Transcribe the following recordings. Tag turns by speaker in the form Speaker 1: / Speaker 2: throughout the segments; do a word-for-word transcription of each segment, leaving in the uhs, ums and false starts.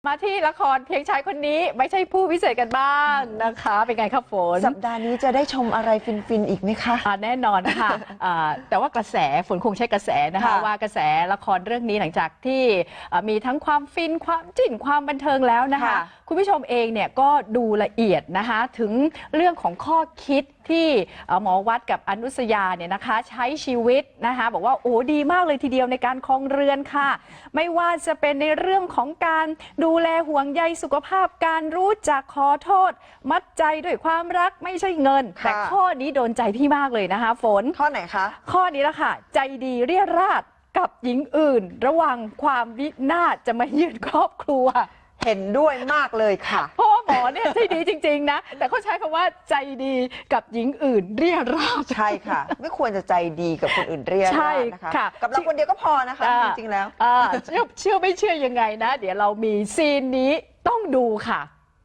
Speaker 1: มาที่ละครเพียงชายคนนี้ไม่ใช่ผู้พิเศษกันบ้างนะคะเป็นไงครับฝน
Speaker 2: สัปดาห์นี้จะได้ชมอะไรฟินๆอีกไหมคะ
Speaker 1: ะแน่นอนค่ะ แต่ว่ากระแสฝนคงใช้กระแสนะคะว่ากระแสละครเรื่องนี้หลังจากที่มีทั้งความฟินความจิ้นความบันเทิงแล้วนะคะคุณผู้ชมเองเนี่ยก็ดูละเอียดนะคะถึงเรื่องของข้อคิดที่หมอวัดกับอนุสยาเนี่ยนะคะใช้ชีวิตนะคะบอกว่าโอ้ดีมากเลยทีเดียวในการครองเรือนค่ะไม่ว่าจะเป็นในเรื่องของการดูแลห่วงใยสุขภาพการรู้จักขอโทษมัดใจด้วยความรักไม่ใช่เงินแต่ข้อนี้โดนใจพี่มากเลยนะคะฝน
Speaker 2: ข้อไหนคะ
Speaker 1: ข้อนี้ละค่ะใจดีเรียราดกับหญิงอื่นระวังความวินาศจะมาเยือนครอบครัว
Speaker 2: เห็นด้วยมากเลยค่ะ
Speaker 1: เพราะหมอเนี่ยใจดีจริงๆนะแต่เขาใช้คำว่าใจดีกับหญิงอื่นเรียราด
Speaker 2: ใช่ค่ะไม่ควรจะใจดีกับคนอื่นเรียราดนะคะกับเราคนเดียวก็พอนะคะจริงๆแล้ว
Speaker 1: เชื่อเชื่อไม่เชื่อยังไงนะเดี๋ยวเรามีซีนนี้ต้องดูค่ะ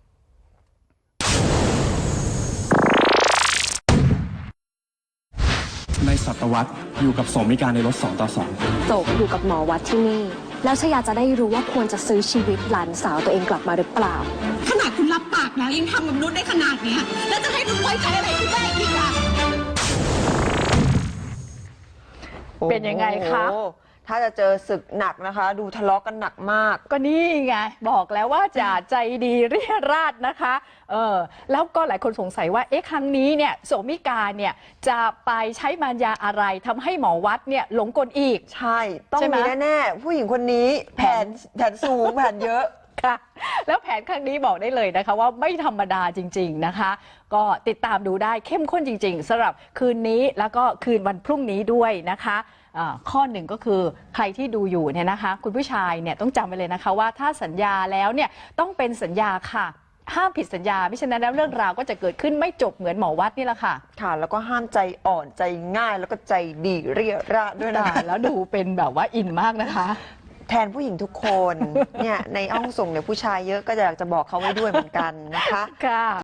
Speaker 3: ในศตวรรษอยู่กับโสมิการในรถสองต่อสอง
Speaker 4: โศกอยู่กับหมอวัดที่นี่แล้วชยาจะได้รู้ว่าควรจะซื้อชีวิตหลานสาวตัวเองกลับมาหรือเปล่า
Speaker 5: ขนาดคุณรับปากแล้วยังทำกับนุชได้ขนาดนี้แล้วจะให้นุชไว้ใจอะไรคุณได้อีกอ่ะ
Speaker 1: เป็นยังไงคะ
Speaker 2: ถ้าจะเจอศึกหนักนะคะดูทะเลาะกันหนักมาก
Speaker 1: ก็นี่ไงบอกแล้วว่าจะใจดีเรียราดนะคะเออแล้วก็หลายคนสงสัยว่าเอ๊ะครั้งนี้เนี่ยโสมิกาเนี่ยจะไปใช้มารยาอะไรทำให้หมอวัดเนี่ยหลงกลอีก
Speaker 2: ใช่ต้องมีแน่ๆผู้หญิงคนนี้แผนแผนสูงแผนเยอะ
Speaker 1: ค่ะแล้วแผนครั้งนี้บอกได้เลยนะคะว่าไม่ธรรมดาจริงๆนะคะก็ติดตามดูได้เข้มข้นจริงๆสำหรับคืนนี้แล้วก็คืนวันพรุ่งนี้ด้วยนะคะข้อหนึ่งก็คือใครที่ดูอยู่เนี่ยนะคะคุณผู้ชายเนี่ยต้องจำไว้เลยนะคะว่าถ้าสัญญาแล้วเนี่ยต้องเป็นสัญญาค่ะห้ามผิดสัญญาไม่ฉะนั้นแล้วเรื่องราวก็จะเกิดขึ้นไม่จบเหมือนหมอวัดนี่แหละค่ะ
Speaker 2: ค่ะแล้วก็ห้ามใจอ่อนใจง่ายแล้วก็ใจดีเรียราดด้วยนะ
Speaker 1: แล้วดูเป็นแบบว่าอินมากนะคะ
Speaker 2: แทนผู้หญิงทุกคนเนี่ยในห้องส่งเนี่ยผู้ชายเยอะก็อยากจะบอกเขาไว้ด้วยเหมือนกันนะคะ
Speaker 1: ค่ะ